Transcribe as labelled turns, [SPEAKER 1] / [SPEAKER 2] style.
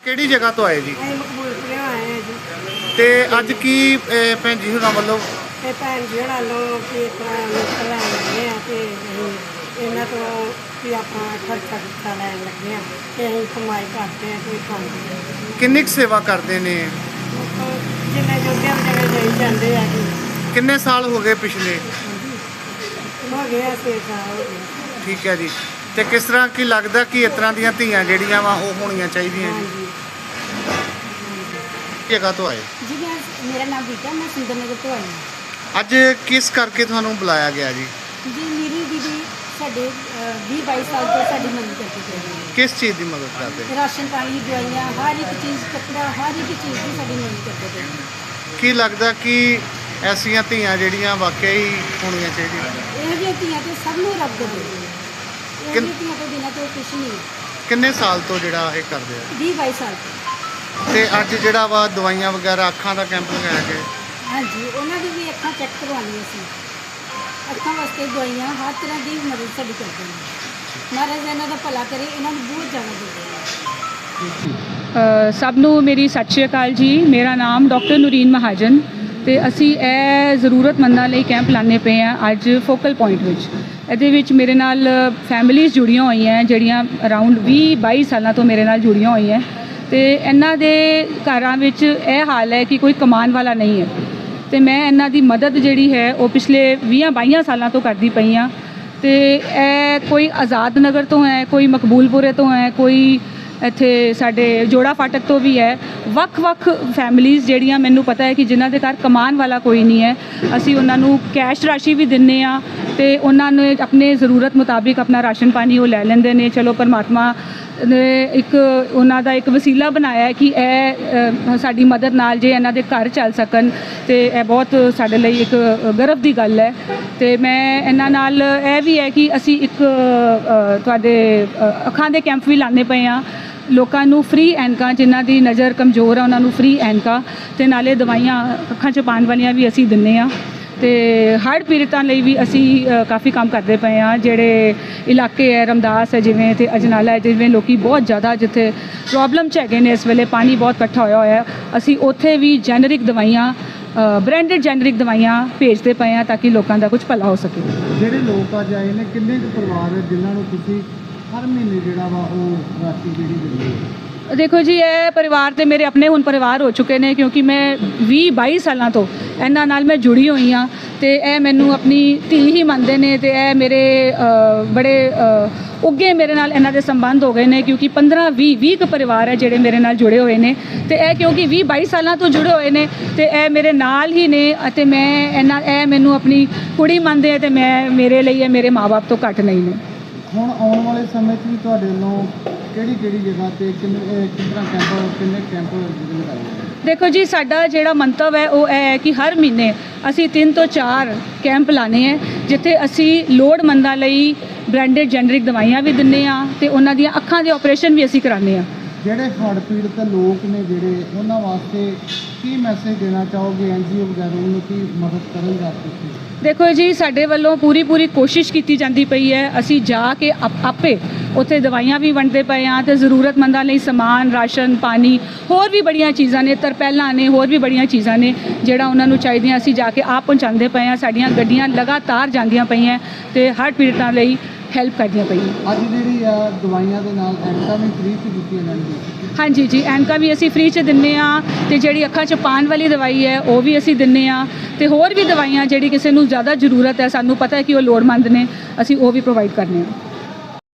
[SPEAKER 1] ਕਿਹੜੀ ਜਗ੍ਹਾ ਤੋਂ ਆਏ ਜੀ?
[SPEAKER 2] ਅਸੀਂ ਮਕਬੂਲਪੁਰੇ ਆਏ ਹਾਂ ਜੀ।
[SPEAKER 1] ਤੇ ਅੱਜ ਕੀ ਭੈਣ ਜੀ ਹੁਣਾਂ ਵੱਲੋਂ
[SPEAKER 2] ਤੇ ਭੈਣ ਜੀ ਹੋਣਾਂ ਨੂੰ ਵੀ ਇਸ ਤਰ੍ਹਾਂ ਨਿਕਲ ਲੈਣ ਲੱਗੇ ਆ ਤੇ ਅਸੀਂ ਇਹਨਾਂ ਤੋਂ ਵੀ ਆਪਾਂ ਖਰਚਾ ਖੁਰਚਾ ਲੈਣ ਲੱਗੇ ਆ ਤੇ ਅਸੀਂ ਕਮਾਈ ਕਰਦੇ ਆ ਕੋਈ ਖਾਂਦੇ ਆ।
[SPEAKER 1] ਕਿੰਨੀ ਕੁ ਸੇਵਾ ਕਰਦੇ ਨੇ?
[SPEAKER 2] ਜਿੰਨੇ ਜੋਗੇ ਵਿਚਾਰੇ ਦੇਈ ਜਾਂਦੇ ਆ ਜੀ।
[SPEAKER 1] ਕਿੰਨੇ ਸਾਲ ਹੋ ਗਏ ਪਿਛਲੇ?
[SPEAKER 2] ਹੋ ਗਿਆ 6 ਸਾਲ ਹੋ ਗਏ।
[SPEAKER 1] ਠੀਕ ਹੈ ਜੀ। ਤੇ ਕਿਸ ਤਰ੍ਹਾਂ ਕੀ ਲੱਗਦਾ ਕਿ ਇਸ ਤਰ੍ਹਾਂ ਦੀਆਂ ਧੀਆਂ ਜਿਹੜੀਆਂ ਵਾ ਉਹ ਹੋਣੀਆਂ ਚਾਹੀਦੀਆਂ ਜੀ?
[SPEAKER 2] ਹਾਂਜੀ
[SPEAKER 1] ਜਗ੍ਹਾ ਤੋਂ ਆਏ
[SPEAKER 3] ਜੀ ਮੇਰਾ ਨਾਮ ਬੀਟਾ, ਮੈਂ ਸੁੰਦਰ ਨਗਰ ਤੋਂ ਆਈ ਹਾਂ।
[SPEAKER 1] ਅੱਜ ਕਿਸ ਕਰਕੇ ਤੁਹਾਨੂੰ ਬੁਲਾਇਆ ਗਿਆ ਜੀ?
[SPEAKER 3] ਜੀ ਮੇਰੀ ਦੀਦੀ ਸਾਡੇ 20-22 ਸਾਲ ਤੋਂ ਸਾਡੀ ਮਦਦ ਕਰਦੇ ਪਏ ਨੇ।
[SPEAKER 1] ਕਿਸ ਚੀਜ਼ ਦੀ ਮਦਦ ਕਰਦੇ?
[SPEAKER 3] ਰਾਸ਼ਨ ਪਾਣੀ, ਦਵਾਈਆਂ, ਹਰ ਇੱਕ ਚੀਜ਼, ਕੱਪੜਾ, ਹਰ ਇੱਕ ਚੀਜ਼ ਦੀ ਸਾਡੀ ਮਦਦ ਕਰਦੇ ਪਏ ਨੇ।
[SPEAKER 1] ਕੀ ਲੱਗਦਾ ਕਿ ਐਸੀਆਂ ਧੀਆਂ ਜਿਹੜੀਆਂ ਵਾਕਿਆ ਹੀ ਹੋਣੀਆਂ ਚਾਹੀਦੀਆਂ?
[SPEAKER 3] ਇਹ ਜਿਹੀਆਂ ਧੀਆਂ ਤੇ ਸਭ ਨੂੰ ਰੱਬ ਦੇ ਇਹ ਜਿਹੀਆਂ ਧੀਆਂ ਤੋਂ ਬਿਨਾਂ ਕੋਈ ਕੁਛ ਨਹੀਂ ਹੈ।
[SPEAKER 1] ਕਿੰਨੇ ਸਾਲ ਤੋਂ ਜਿਹੜਾ ਇਹ ਕਰਦੇ ਆ?
[SPEAKER 3] 20-22 ਸਾਲ ਤੋਂ।
[SPEAKER 1] ਤੇ ਅੱਜ ਜਿਹੜਾ ਵਾ ਦਵਾਈਆਂ ਵਗੈਰਾ ਅੱਖਾਂ ਦਾ ਕੈਂਪ ਲਗਾਇਆ ਗਿਆ।
[SPEAKER 3] ਹਾਂਜੀ, ਉਹਨਾਂ ਦੀ ਵੀ ਅੱਖਾਂ ਚੈੱਕ ਕਰਵਾਉਣੀਆਂ ਸੀ। ਅੱਖਾਂ ਵਾਸਤੇ ਦਵਾਈਆਂ, ਹਰ ਤਰ੍ਹਾਂ ਦੀ ਮਦਦ ਸਾਡੀ ਕਰਦੇ ਨੇ। ਮਹਾਰਾਜ ਇਹਨਾਂ ਦਾ ਭਲਾ ਕਰੇ, ਇਹਨਾਂ ਨੂੰ ਬਹੁਤ ਜ਼ਿਆਦਾ ਦੇ
[SPEAKER 4] ਸਭ ਨੂੰ ਮੇਰੀ ਸਤਿ ਸ਼੍ਰੀ ਅਕਾਲ ਜੀ। ਮੇਰਾ ਨਾਮ ਡਾਕਟਰ ਨੂਰੀਨ ਮਹਾਜਨ ਤੇ ਅਸੀਂ ਇਹ ਜ਼ਰੂਰਤਮੰਦਾਂ ਲਈ ਕੈਂਪ ਲਾਣੇ ਪਏ ਆ ਅੱਜ ਫੋਕਲ ਪੁਆਇੰਟ ਵਿੱਚ। ਇਹਦੇ ਵਿੱਚ ਮੇਰੇ ਨਾਲ ਫੈਮਿਲੀਜ਼ ਜੁੜੀਆਂ ਹੋਈਆਂ ਜਿਹੜੀਆਂ ਅਰਾਊਂਡ 20-22 ਸਾਲਾਂ ਤੋਂ ਮੇਰੇ ਨਾਲ ਜੁੜੀਆਂ ਹੋਈਆਂ ਤੇ ਇਹਨਾਂ ਦੇ ਘਰਾਂ ਵਿੱਚ ਇਹ ਹਾਲ ਹੈ ਕਿ ਕੋਈ ਕਮਾਉਣ ਵਾਲਾ ਨਹੀਂ ਹੈ ਤੇ ਮੈਂ ਇਹਨਾਂ ਦੀ ਮਦਦ ਜਿਹੜੀ ਹੈ ਉਹ ਪਿਛਲੇ 20-22 ਸਾਲਾਂ ਤੋਂ ਕਰਦੀ ਪਈ ਹਾਂ। ਤੇ ਇਹ ਕੋਈ ਆਜ਼ਾਦ ਨਗਰ ਤੋਂ ਹੈ, ਕੋਈ ਮਕਬੂਲਪੁਰੇ ਤੋਂ ਹੈ, ਕੋਈ ਇੱਥੇ ਸਾਡੇ ਜੋੜਾ ਫਾਟਕ ਤੋਂ ਵੀ ਹੈ। ਵੱਖ-ਵੱਖ ਫੈਮਿਲੀਜ਼ ਜਿਹੜੀਆਂ ਮੈਨੂੰ ਪਤਾ ਹੈ ਕਿ ਜਿਨ੍ਹਾਂ ਦੇ ਘਰ ਕਮਾਉਣ ਵਾਲਾ ਕੋਈ ਨਹੀਂ ਹੈ, ਅਸੀਂ ਉਹਨਾਂ ਨੂੰ ਕੈਸ਼ ਰਾਸ਼ੀ ਵੀ ਦਿੰਦੇ ਹਾਂ ਤੇ ਉਹਨਾਂ ਨੇ ਆਪਣੇ ਜ਼ਰੂਰਤ ਮੁਤਾਬਿਕ ਆਪਣਾ ਰਾਸ਼ਨ ਪਾਣੀ ਉਹ ਲੈ ਲੈਂਦੇ ਨੇ। ਚਲੋ ਪਰਮਾਤਮਾ ਨੇ ਇੱਕ ਉਹਨਾਂ ਦਾ ਇੱਕ ਵਸੀਲਾ ਬਣਾਇਆ ਕਿ ਇਹ ਸਾਡੀ ਮਦਦ ਨਾਲ ਜੇ ਇਹਨਾਂ ਦੇ ਘਰ ਚੱਲ ਸਕਣ ਤੇ ਇਹ ਬਹੁਤ ਸਾਡੇ ਲਈ ਇੱਕ ਗਰਵ ਦੀ ਗੱਲ ਹੈ। ਤੇ ਮੈਂ ਇਹਨਾਂ ਨਾਲ ਇਹ ਵੀ ਹੈ ਕਿ ਅਸੀਂ ਇੱਕ ਤੁਹਾਡੇ ਅੱਖਾਂ ਦੇ ਕੈਂਪ ਵੀ ਲਾਣੇ ਪਏ ਹਾਂ। ਲੋਕਾਂ ਨੂੰ ਫ੍ਰੀ ਐਨਕਾਂ, ਜਿਨ੍ਹਾਂ ਦੀ ਨਜ਼ਰ ਕਮਜ਼ੋਰ ਆ ਉਹਨਾਂ ਨੂੰ ਫ੍ਰੀ ਐਨਕਾਂ ਤੇ ਨਾਲੇ ਦਵਾਈਆਂ ਅੱਖਾਂ 'ਚ ਪਾਉਣ ਵਾਲੀਆਂ ਵੀ ਅਸੀਂ ਦਿੰਦੇ ਹਾਂ। ਤੇ ਹੜ੍ਹ ਪੀੜਤਾਂ ਲਈ ਵੀ ਅਸੀਂ ਕਾਫੀ ਕੰਮ ਕਰਦੇ ਪਏ ਹਾਂ। ਜਿਹੜੇ ਇਲਾਕੇ ਹੈ ਰਮਦਾਸ ਹੈ ਜਿਵੇਂ ਤੇ ਅਜਨਾਲਾ ਹੈ, ਜਿਵੇਂ ਲੋਕੀ ਬਹੁਤ ਜ਼ਿਆਦਾ ਜਿੱਥੇ ਪ੍ਰੋਬਲਮ 'ਚ ਹੈਗੇ ਨੇ ਇਸ ਵੇਲੇ, ਪਾਣੀ ਬਹੁਤ ਇਕੱਠਾ ਹੋਇਆ ਅਸੀਂ ਉੱਥੇ ਵੀ ਜੈਨਰਿਕ ਦਵਾਈਆਂ, ਬ੍ਰਾਂਡਡ ਜੈਨਰਿਕ ਦਵਾਈਆਂ ਭੇਜਦੇ ਪਏ ਹਾਂ ਤਾਂ ਕਿ ਲੋਕਾਂ ਦਾ ਕੁਝ ਭਲਾ ਹੋ ਸਕੇ।
[SPEAKER 1] ਜਿਹੜੇ ਲੋਕ ਅੱਜ ਆਏ ਨੇ, ਕਿੰਨੇ ਕੁ ਪਰਿਵਾਰ ਹੈ ਜਿਨ੍ਹਾਂ ਨੂੰ ਤੁਸੀਂ ਹਰ ਮਹੀਨੇ ਜਿਹੜਾ ਵਾ ਉਹ ਰਾਸ਼ੀ ਜਿਹੜੀ ਦਿੰਦੇ ਹੋ?
[SPEAKER 4] ਦੇਖੋ ਜੀ, ਇਹ ਪਰਿਵਾਰ ਤੇ ਮੇਰੇ ਆਪਣੇ ਹੁਣ ਪਰਿਵਾਰ ਹੋ ਚੁੱਕੇ ਨੇ ਕਿਉਂਕਿ ਮੈਂ 20-22 ਸਾਲਾਂ ਤੋਂ ਇਹਨਾਂ ਨਾਲ ਮੈਂ ਜੁੜੀ ਹੋਈ ਹਾਂ ਤੇ ਇਹ ਮੈਨੂੰ ਆਪਣੀ ਧੀ ਹੀ ਮੰਨਦੇ ਨੇ ਤੇ ਇਹ ਮੇਰੇ ਬੜੇ ਉੱਗੇ ਮੇਰੇ ਨਾਲ ਇਹਨਾਂ ਦੇ ਸੰਬੰਧ ਹੋ ਗਏ ਨੇ ਕਿਉਂਕਿ 15-20 ਕੁ ਪਰਿਵਾਰ ਹੈ ਜਿਹੜੇ ਮੇਰੇ ਨਾਲ ਜੁੜੇ ਹੋਏ ਨੇ ਤੇ ਇਹ ਕਿਉਂਕਿ 20-22 ਸਾਲਾਂ ਤੋਂ ਜੁੜੇ ਹੋਏ ਨੇ ਤੇ ਇਹ ਮੇਰੇ ਨਾਲ ਹੀ ਨੇ ਅਤੇ ਮੈਂ ਇਹ ਮੈਨੂੰ ਆਪਣੀ ਕੁੜੀ ਮੰਨਦੇ ਆ ਤੇ ਮੈਂ ਮੇਰੇ ਲਈ ਇਹ ਮੇਰੇ ਮਾਂ-ਬਾਪ ਤੋਂ ਘੱਟ ਨਹੀਂ ਨੇ।
[SPEAKER 1] ਹੁਣ ਆਉਣ ਵਾਲੇ ਸਮੇਂ 'ਚ ਵੀ ਤੁਹਾਡੇ ਵੱਲੋਂ ਕਿਹੜੀ ਜਗ੍ਹਾ ਤੇ ਕਿੰਨੇ ਕੈਂਪ ਲਗਾਏ?
[SPEAKER 4] ਦੇਖੋ ਜੀ, ਸਾਡਾ ਜਿਹੜਾ ਮੰਤਵ ਹੈ ਉਹ ਇਹ ਹੈ ਕਿ ਹਰ ਮਹੀਨੇ ਅਸੀਂ 3 ਤੋਂ 4 ਕੈਂਪ ਲਾਣੇ ਹੈ ਜਿੱਥੇ ਅਸੀਂ ਲੋੜਮੰਦਾਂ ਲਈ ਬ੍ਰਾਂਡਡ ਜੈਨਰਿਕ ਦਵਾਈਆਂ ਵੀ ਦਿੰਦੇ ਹਾਂ ਤੇ ਉਹਨਾਂ ਦੀਆਂ ਅੱਖਾਂ ਦੇ ਆਪਰੇਸ਼ਨ ਵੀ ਅਸੀਂ ਕਰਾਉਂਦੇ ਹਾਂ।
[SPEAKER 1] ਜਿਹੜੇ ਹੜ੍ਹ ਪੀੜਤ ਲੋਕ ਨੇ ਜਿਹੜੇ ਉਹਨਾਂ ਵਾਸਤੇ ਕੀ ਮੈਸੇਜ ਦੇਣਾ ਚਾਹੋਗੇ? NGO ਵਗੈਰਾ ਨੂੰ ਕੀ ਮਦਦ ਕਰਨ ਵਾਸਤੇ?
[SPEAKER 4] ਦੇਖੋ ਜੀ, ਸਾਡੇ ਵੱਲੋਂ ਪੂਰੀ ਕੋਸ਼ਿਸ਼ ਕੀਤੀ ਜਾਂਦੀ ਪਈ ਹੈ। ਅਸੀਂ ਜਾ ਕੇ ਆਪੇ ਉੱਥੇ ਦਵਾਈਆਂ ਵੀ ਵੰਡਦੇ ਪਏ ਹਾਂ ਤੇ ਜ਼ਰੂਰਤਮੰਦਾਂ ਲਈ ਸਮਾਨ, ਰਾਸ਼ਨ ਪਾਣੀ, ਹੋਰ ਵੀ ਬੜੀਆਂ ਚੀਜ਼ਾਂ ਨੇ, ਤਰਪੈਲਾਂ ਨੇ, ਹੋਰ ਵੀ ਬੜੀਆਂ ਚੀਜ਼ਾਂ ਨੇ ਜਿਹੜਾ ਉਹਨਾਂ ਨੂੰ ਚਾਹੀਦੀਆਂ ਅਸੀਂ ਜਾ ਕੇ ਆਪ ਪਹੁੰਚਾਉਂਦੇ ਪਏ ਹਾਂ। ਸਾਡੀਆਂ ਗੱਡੀਆਂ ਲਗਾਤਾਰ ਜਾਂਦੀਆਂ ਪਈਆਂ ਤੇ ਹੜ੍ਹ ਪੀੜਤਾਂ ਲਈ ਹੈਲਪ ਕਰਦੀਆਂ ਪਈਆਂ।
[SPEAKER 1] ਅੱਜ ਜਿਹੜੀ ਆ ਦਵਾਈਆਂ ਦੇ ਨਾਲ ਐਨਕਾਂ ਵੀ ਫ੍ਰੀ 'ਚ ਦਿੱਤੀਆਂ ਜਾਂਦੀਆਂ?
[SPEAKER 4] ਹਾਂਜੀ ਜੀ, ਐਨਕਾਂ ਵੀ ਅਸੀਂ ਫ੍ਰੀ 'ਚ ਦਿੰਦੇ ਹਾਂ ਤੇ ਜਿਹੜੀ ਅੱਖਾਂ 'ਚ ਪਾਉਣ ਵਾਲੀ ਦਵਾਈ ਹੈ ਉਹ ਵੀ ਅਸੀਂ ਦਿੰਦੇ ਹਾਂ ਤੇ ਹੋਰ ਵੀ ਦਵਾਈਆਂ ਜਿਹੜੀ ਕਿਸੇ ਨੂੰ ਜ਼ਿਆਦਾ ਜ਼ਰੂਰਤ ਹੈ, ਸਾਨੂੰ ਪਤਾ ਹੈ ਕਿ ਉਹ ਲੋੜਵੰਦ ਨੇ, ਅਸੀਂ ਉਹ ਵੀ ਪ੍ਰੋਵਾਈਡ ਕਰਨੇ ਹਾਂ।